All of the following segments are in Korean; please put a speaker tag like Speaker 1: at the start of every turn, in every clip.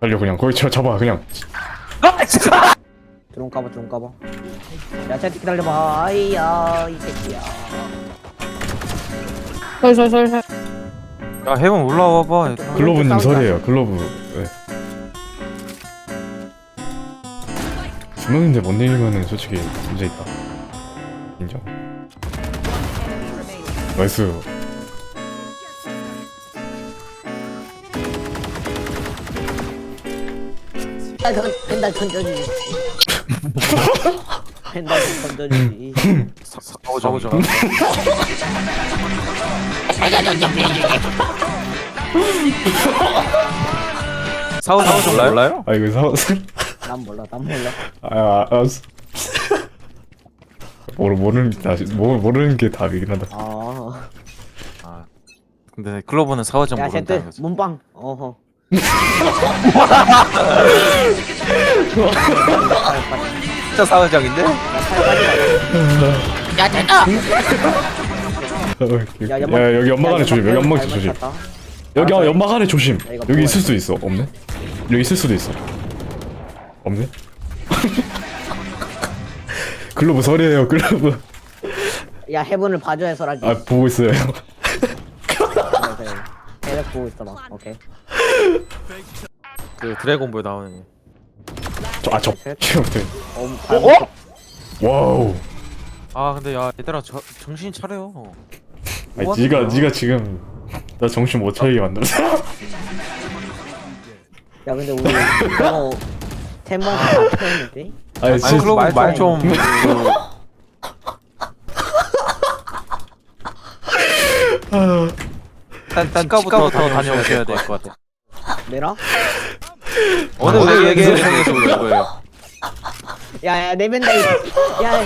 Speaker 1: 달려 그냥 거기 잡아 그냥.
Speaker 2: 드론 까봐. 야, 쟤 기다려봐. 아이야, 이 새끼야.
Speaker 3: 설설설설.
Speaker 4: 야 해본 올라와봐.
Speaker 1: 글로브님 설이에요. 글로브. 네. 두 명인데 못 내리면은 솔직히 문제 있다. 인정. 나이스.
Speaker 2: 펜달 던져주지. 펜달 던져주지.
Speaker 4: 사오자. 사오자 몰라요?
Speaker 1: 아 이거
Speaker 2: 난 몰라.
Speaker 1: 알았어. 모르는 게 답이긴 하다.
Speaker 2: 아.
Speaker 4: 아 근데 클로버는 사오자
Speaker 2: 야,
Speaker 4: 모른다.
Speaker 2: 쟤 문방. 어허.
Speaker 4: 진짜 사오장인데?
Speaker 1: 야 여기 연막 안에 조심. 여기 연막 조심. 여기 연막 안에 조심. 여기 있을 수도 있어. 없네? 여기 있을 수도 있어. 없네? 글로브 설이에요. 글로브.
Speaker 2: 야, 해븐을 봐줘야 설하지.
Speaker 1: 아 보고 있어요.
Speaker 2: 계속 보고 있어봐. 오케이.
Speaker 4: 그 드래곤볼 나오는.
Speaker 1: 저
Speaker 2: 어?
Speaker 1: 와우.
Speaker 4: 아 근데 야 얘들아 정신 차려요.
Speaker 1: 아니
Speaker 4: 뭐
Speaker 1: 네가 지금 나 정신 못 차리게 만들었어.
Speaker 2: 야, 근데 우리 이거 템만 다 펴는데?
Speaker 1: 아니
Speaker 4: 아니
Speaker 1: 진짜
Speaker 4: 클로버 말 좀. 일단 치과부터 다녀오셔야 될 것 같아.
Speaker 2: 내라?
Speaker 4: 오늘 얘기해 주셔서 그런 거예요.
Speaker 2: 야, 내 펜달. 야.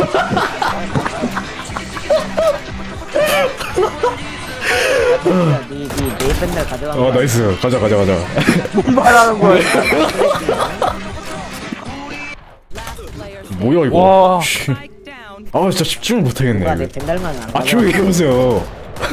Speaker 2: 네 펜달 가져가.
Speaker 1: 나이스. 가자.
Speaker 4: 뭔 말하는 거야?
Speaker 1: 뭐야 이거.
Speaker 4: 와.
Speaker 1: 아 진짜 집중을 못하겠네.
Speaker 2: 누가 내
Speaker 1: 이거.
Speaker 2: 펜달만 안
Speaker 1: 아
Speaker 2: 가져가.
Speaker 1: 조용히 해보세요.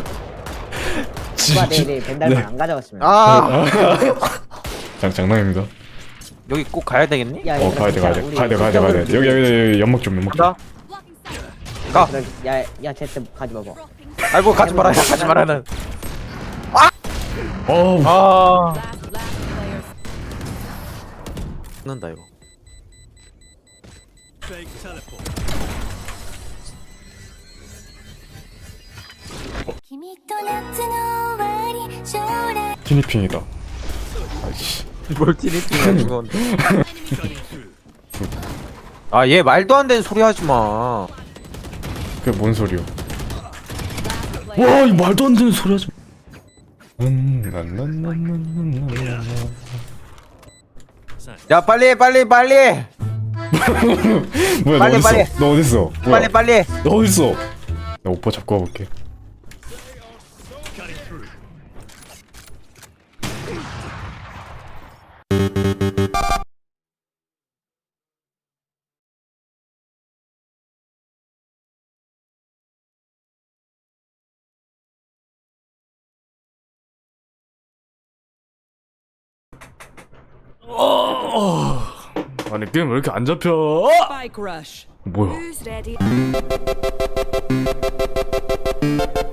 Speaker 2: 누가 내 펜달만 안 가져갔으면.
Speaker 4: 아
Speaker 1: 장난입니다.
Speaker 4: 여기 꼭 가야 되겠니?
Speaker 2: 야,
Speaker 1: 가야 돼. 여기 연막 좀.
Speaker 4: 가. 가.
Speaker 2: 야, 쟤때 가지 마봐.
Speaker 4: 아이고 가지 말아요. 가지 말아는.
Speaker 1: 어우.
Speaker 4: 아. 는다 이거. 티니핑이다. 아이씨. 뭘 티니핑이야 이건. 아얘 말도 안 되는 소리 하지 마.
Speaker 1: 그게 뭔 소리요? 와, 이 말도 안 되는 소리 하지.
Speaker 4: 야 빨리.
Speaker 1: 뭐야,
Speaker 4: 빨리,
Speaker 1: 너
Speaker 4: 빨리.
Speaker 1: 어딨어? 너 어딨어? 뭐야?
Speaker 4: 빨리.
Speaker 1: 너 어딨어? 나 오빠 잡고 와볼게. 아니 게임 왜 이렇게 안 잡혀?
Speaker 5: Spike rush.
Speaker 1: 뭐야?
Speaker 5: Who's ready?